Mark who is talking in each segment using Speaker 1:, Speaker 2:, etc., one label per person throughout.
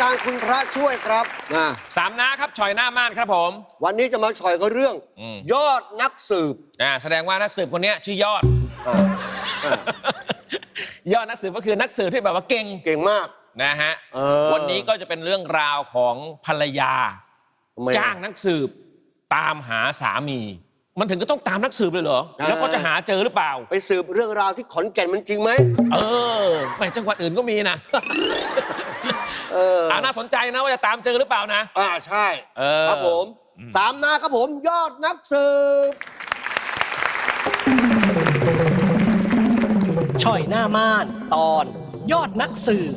Speaker 1: การคุณพระช่วยครับ
Speaker 2: สามน้าครับฉอยหน้าม่านครับผม
Speaker 1: วันนี้จะมาฉอยก็เรื่องยอดนักสืบ
Speaker 2: แสดงว่านักสืบคนนี้ชื่อยอดยอดนักสืบก็คือนักสืบที่แบบว่าเก่ง
Speaker 1: มาก
Speaker 2: นะฮะวันนี้ก็จะเป็นเรื่องราวของภรรยาจ้างนักสืบตามหาสามีมันถึงก็ต้องตามนักสืบเลยเหรอแล้วก็จะหาเจอหรือเปล่า
Speaker 1: ไปสืบเรื่องราวที่ขอนแก่นมันจริงไหม
Speaker 2: ไม่จังหวัดอื่นก็มีนะน่าสนใจนะว่าจะตามเจอหรือเปล่านะ
Speaker 1: ใช่ครับผมสามนาครับผมยอดนักสืบ
Speaker 3: ช่อยหน้าม่านตอนยอดนักสืบ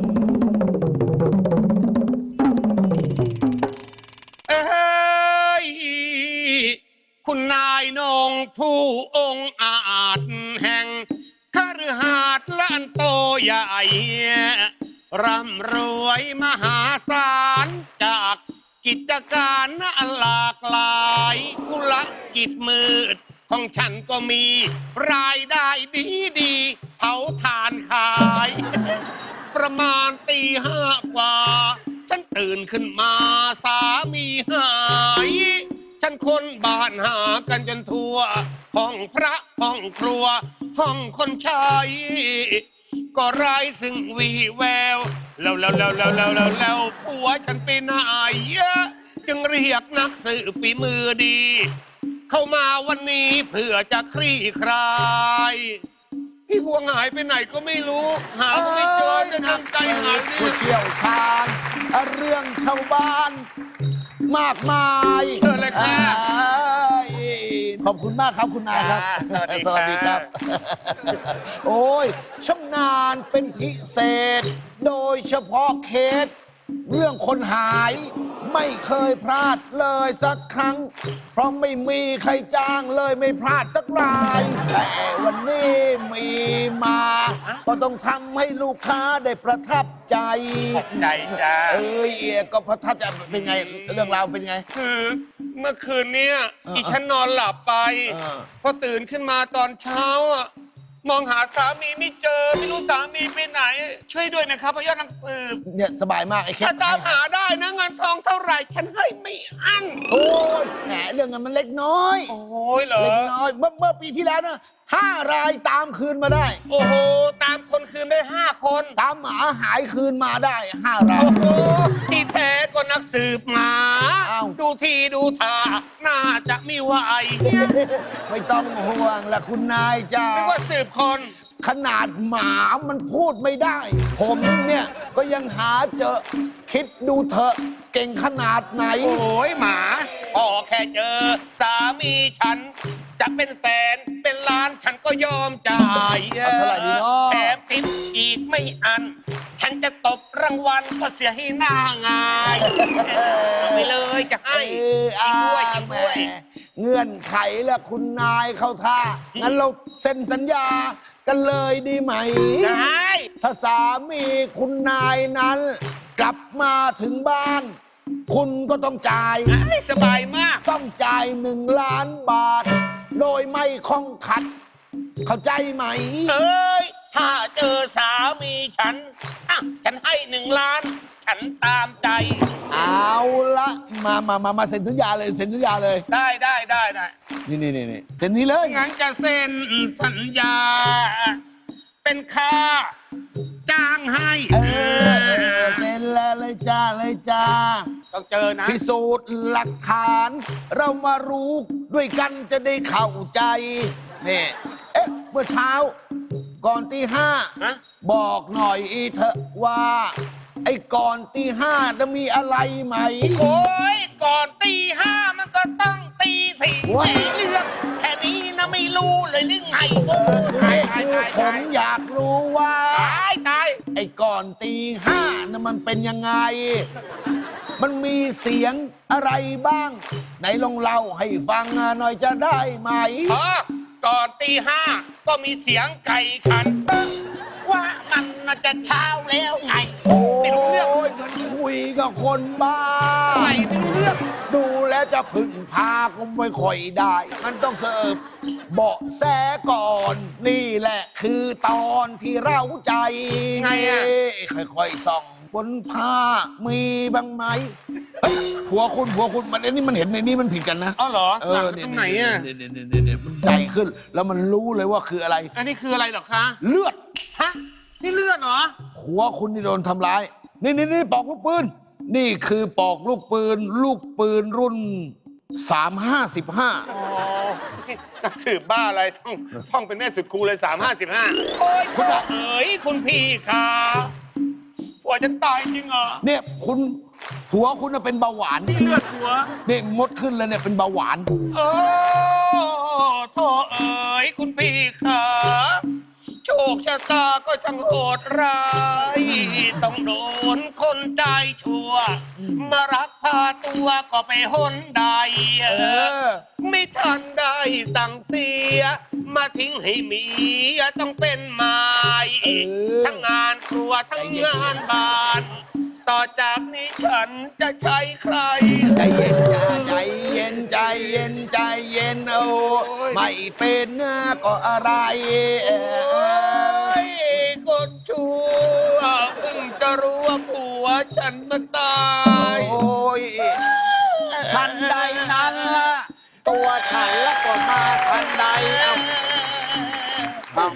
Speaker 4: คุณนายนงผู้องค์อาจแห่งคฤหาสน์ล้านโตใหญ่ร่ำรวยมหาศาลจากกิจการหลากหลายธุรกิจมืดของฉันก็มีรายได้ดีเผาถ่านขายประมาณตี 5กว่าฉันตื่นขึ้นมาสามีหายฉันคนบ้านหากันจนทั่วห้องพระห้องครัวห้องคนใช้ก็ไร้ซึ่งวีแววแล้วผัวฉันไปไหนจึงเรียกนักสืบฝีมือดีเข้ามาวันนี้เพื่อจะคลี่คลายพี่พวงหายไปไหนก็ไม่รู้หาก็ไม่เจอจะตั้งใจหา
Speaker 5: ผู้เชี่ยวชาญเรื่องชาวบ้านมากมาย
Speaker 4: เชิญเลยค่ะ
Speaker 5: ขอบคุณมากครับคุณนายครับสวัสดีครับโอ้ยชำนาญเป็นพิเศษโดยเฉพาะเคสเรื่องคนหายไม่เคยพลาดเลยสักครั้งเพราะไม่มีใครจ้างเลยไม่พลาดสักรายแต่วันนี้มีมาก็ต้องทำให้ลูกค้าได้ประทับใจ
Speaker 4: จ้า
Speaker 5: ก็ประทับใจเป็นไงเรื่องราวเป็นไง
Speaker 4: คือเมื่อคืนนี้อีฉันนอนหลับไปพอตื่นขึ้นมาตอนเช้ามองหาสามีไม่เจอไม่รู้สามีไปไหนช่วยด้วยนะครับพยอดนักสืบ
Speaker 5: เนี่ยสบายมากไอ้แค่
Speaker 4: ถ้าตามหาได้นะเงินทองเท่าไหร่ฉันให้ไม่อั้น
Speaker 5: โอ้ยแหมเรื่องเงินมันเล็กน้อย
Speaker 4: โอ้ยเหรอ
Speaker 5: เล็กน้อยเมื่อปีที่แล้วนะ5 รายตามคืนมาได้
Speaker 4: โอ้โหตามคนคืนได้5 คน
Speaker 5: ตามหมาหายคืนมาได้5 ราย
Speaker 4: โอ้โหที่แท้ก็นักสืบหมาดูทีดูท่าน่าจะไม่ไหว
Speaker 5: ไม่ต้องห่วงละคุณนายจ้า
Speaker 4: ไม่ว่าสืบคน
Speaker 5: ขนาดหมามันพูดไม่ได้ผมเนี่ยก็ยังหาเจอคิดดูเถอะเก่งขนาดไหน
Speaker 4: โอ้ยหมาพอแค่เจอสามีฉันจะเป็นแสนเป็นล้านฉันก็ยอมจ่ายแถมทิปอีกไม่อันฉันจะตบรางวัลก็เสียให้หน้างายเอาไปเลยจะให้ด้วย
Speaker 5: เงื่อนไขละคุณนายเข้าท่างั้นเราเซ็นสัญญากันเลยดีไหม
Speaker 4: ได้
Speaker 5: ถ้าสามีคุณนายนั้นกลับมาถึงบ้านคุณก็ต้องจ่าย
Speaker 4: สบายมาก
Speaker 5: ต้องจ่าย1 ล้านบาทโดยไม่ข้องขัดเข้าใจไหม
Speaker 4: ถ้าเจอสามีฉันให้1 ล้านฉันตามใจ
Speaker 5: เอาละมาเซ็นสัญญาเลยเซ็นสัญญาเลย
Speaker 4: ได้
Speaker 5: นี่เซ็นนี้เลย
Speaker 4: งั้นจะเซ็นสัญญาเป็นค่าจ้างให้
Speaker 5: เซ็นเลยจ้า
Speaker 4: ต้องเจอนะ
Speaker 5: พิสูจน์หลักฐานเรามารู้ด้วยกันจะได้เข้าใจนี่เมื่อเช้าก่อนตี 5บอกหน่อยเถอะว่าไอ้ก่อนตี 5จะมีอะไรไหม
Speaker 4: โอ้ยก่อนตี 5มันก็ต้องตี 4ไม่เรื่องแค่นี้นะไม่รู้เลยหรือไง
Speaker 5: คือผมอยากรู้ว่า
Speaker 4: ตาย
Speaker 5: ไอ้ก่อนตี 5น่ะมันเป็นยังไงมันมีเสียงอะไรบ้างไหนลองเล่าให้ฟังหน่อยจะได้ไหม
Speaker 4: ก่อนตี 5ก็มีเสียงไก่ขันว่ามันน่าจะเช้าแล้วไง
Speaker 5: ไม่รู้เรื่องมันคุยกับคนบ้า
Speaker 4: ไม่รู้เรื่อง
Speaker 5: ดูแล้วจะพึ่งพาก็ไม่ค่อยได้มันต้องเสิร์ฟเบาะแสก่อนนี่แหละคือตอนที่เราใจ
Speaker 4: ไง
Speaker 5: ค่อยๆส่องบนผ้ามีบ้างไหมเฮ้ยผัวคุณมันอันนี้มันเห็นในนี้มันผิดกันนะ
Speaker 4: อ๋อเหรอหลัง
Speaker 5: เย
Speaker 4: ตรงไหนอ่ะ
Speaker 5: เนี่ยมันใหญ่ขึ้น แล้วมันรู้เลยว่าคืออะไร
Speaker 4: อันนี้คืออะไรเหรอคะ
Speaker 5: เลือด
Speaker 4: ฮะนี่เลือดเหรอ
Speaker 5: ผัวคุณนี่โดนทำร้ายนี่ปอกลูกปืนนี่คือปอกลูกปืนรุ่น 355
Speaker 4: อ๋อนักสืบบ้าอะไรท่องเป็นแม่สุดครูเลย355โอ้ยคุณเอ๋ยคุณพี่ค่ะผัวฉันตายจริงเหรอ
Speaker 5: เนี่ยผัวคุณน่ะเป็นเบาหวาน
Speaker 4: นี่เลือดผัว
Speaker 5: เนี่ยมดขึ้นแล้วเนี่ยเป็นเบาหวาน
Speaker 4: โอ้โธ่เอ๋ยคุณพี่ค่ะโชคชะตาก็ช่างโหดร้ายต้องโดนคนใจชั่ว มารักพาตัวก็ไปหนใด ไม่ทันได้สั่งเสีย มาทิ้งให้เมียต้องเป็นไม้ทั้งงานครัวทั้งงานบ้าน ต่อจากนี้ฉันจะใช้ใคร
Speaker 5: ใจเย็นอย่าใจเย็นใจเย็นใจเย็นโอ้ไม่เป็นก็อะไร
Speaker 4: โอ้ยคนชั่วเพิ่งจะรู้ว่าผัวฉันมันตาย
Speaker 5: โอ้ย
Speaker 3: ทันใดนั้นละตัวฉันละก็มาทันใดเอา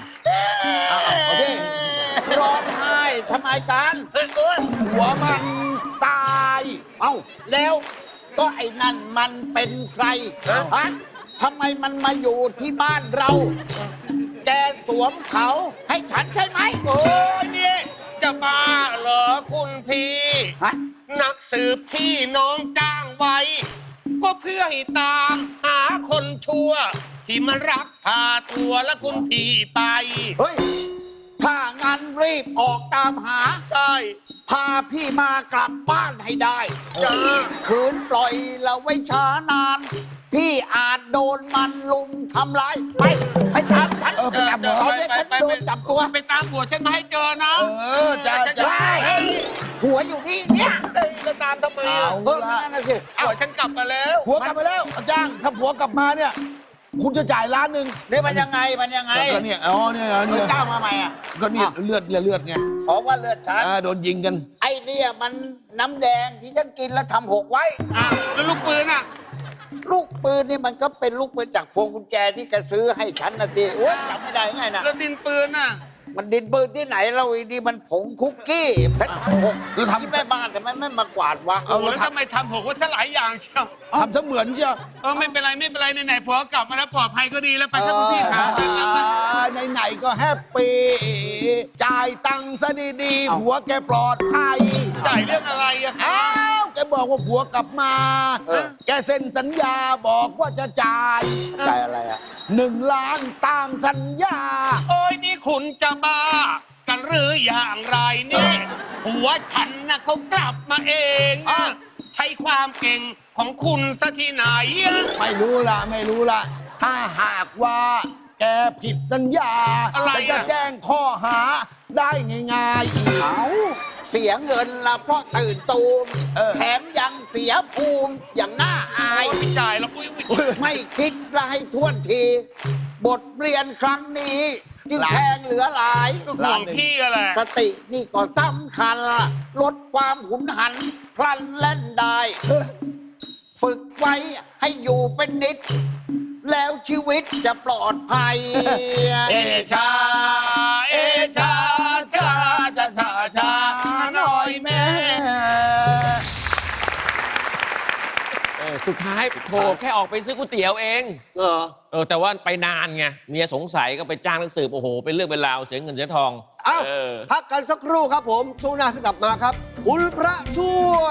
Speaker 3: ร้องไห้ทำไมกัน
Speaker 5: หัวมันตาย
Speaker 3: เอ้าแล้วก็ไอ้นั่นมันเป็นใครฮะทำไมมันมาอยู่ที่บ้านเรา แกสวมเขาให้ฉันใช่ไหม
Speaker 4: โอ้ยนี่จะบ้าเหรอคุณพี่
Speaker 3: ฮะ
Speaker 4: นักสืบพี่น้องจ้างไว้ ก็เพื่อให้ตามหาคนชั่ว ที่มันรักพาตัวและคุณพี่ไป
Speaker 3: เฮ้ย ถ้างั้นรีบออกตามหา
Speaker 4: ใช่
Speaker 3: พาพี่มากลับบ้านให้ได้
Speaker 4: จ้า
Speaker 3: ขืนปล่อยเราไว้ช้านาน พี่อาจโดนมันลุมทำร้ายไปตามฉัน
Speaker 5: ไปจับหัว
Speaker 3: เขาเนี่ยฉันโดนจับตัว
Speaker 4: ไปตามผัวฉันมาให้เจอนะ
Speaker 5: จะ
Speaker 3: เฮ้ยหัวอยู่นี่เนี่ย
Speaker 4: จะตามทำไม
Speaker 5: เอา
Speaker 3: นั่นน่ะสิ
Speaker 4: ผัวฉันกลับมาแล้ว
Speaker 5: ผัวกลับมาแล้วจ้างถ้าผัวกลับมาเนี่ย คุณจะจ่ายล้านหนึ่ง
Speaker 3: นี่มันยังไง
Speaker 5: ก็เนี่ยอ๋อเนี่ย
Speaker 3: เจ้ามาใหม่อ่ะ
Speaker 5: ก็เนี่ยเลือดไง
Speaker 3: เพราะว่าเลือดฉัน
Speaker 5: โดนยิงกัน
Speaker 3: ไอ้เนี่ยมันน้ำแดงที่ฉันกินแล้วทำหกไว้
Speaker 4: อ้าวแล้วลูกปืนอ่ะ
Speaker 3: ลูกปืนนี่มันก็เป็นลูกปืนจากพวงกุญแจที่แกซื้อให้ฉันนะทีโอ้ยจำไม่ได้ไงนะ
Speaker 4: แล้วดินปืนอ่ะ
Speaker 3: มันดินปืนที่ไหนเราอีนี่มันผงคุกกี้เพชรหก
Speaker 5: แล้วทำ
Speaker 3: ที่แม่บ้านทำไมไม่มากวาดวะ
Speaker 4: โอ้โหแล้วทำไมทำผมว่าซะหลายอย่างเชียว
Speaker 5: ทำเสมือนเชียว
Speaker 4: ไม่เป็นไรไหนๆผัวกลับมาแล้วปลอดภัยก็ดีแล้วไปครับคุณพี่ครับ
Speaker 5: ไหนๆก็แฮปปี้จ่ายตังค์ซะดีๆผัวแกปลอดภัย
Speaker 4: จ่ายเรื่องอะไรอะครั
Speaker 5: อ้า
Speaker 4: บ
Speaker 5: วแกบอกว่าผัวกลับมา แกเซ็นสัญญาบอกว่าจะจ่าย
Speaker 3: ใจอะไรอ่ะ
Speaker 5: 1 ล้านตามสัญญา
Speaker 4: โอ้ยนี่คุณจะบ้า กันหรืออย่างไรนี่ผัวฉันนะเขากลับมาเองนะใช้ความเก่งของคุณซะที่ไหนอะ
Speaker 5: ไม่รู้ละ ถ้าหากว่าแกผิดสัญญา
Speaker 4: อะไรอะ
Speaker 5: จะแจ้งข้อหาได้ง่ายๆอีก
Speaker 3: เสียเงินละเพราะตื่นตูม แถมยังเสียภูมิอย่างน่าอาย
Speaker 4: ไม่จ่ายแล้วปุ้ย
Speaker 3: ไม่คิดละให้ท่วนที บทเรียนครั้งนี้ จึงแพงเหลือหลาย
Speaker 4: ก็ห่วงพี่อะแหละ
Speaker 3: สตินี่ก็สำคัญล่ะลดความหุนหันพลันเล่นได้ ฝึกไว้ให้อยู่เป็นนิด แล้วชีวิตจะปลอดภัย
Speaker 4: เอชาชาหน่อยแม่
Speaker 2: สุดท้ายโทรแค่ออกไปซื้อก๋วยเตี๋ยวเอง แต่ว่าไปนานไงเมียสงสัยก็ไปจ้างนักสืบโอ้โหเป็นเรื่องเป็นราวเสียเงินเสียทอง
Speaker 1: อ้าวพักกันสักครู่ครับผม ช่วงหน้ากลับมาครับ คุณพระช่วย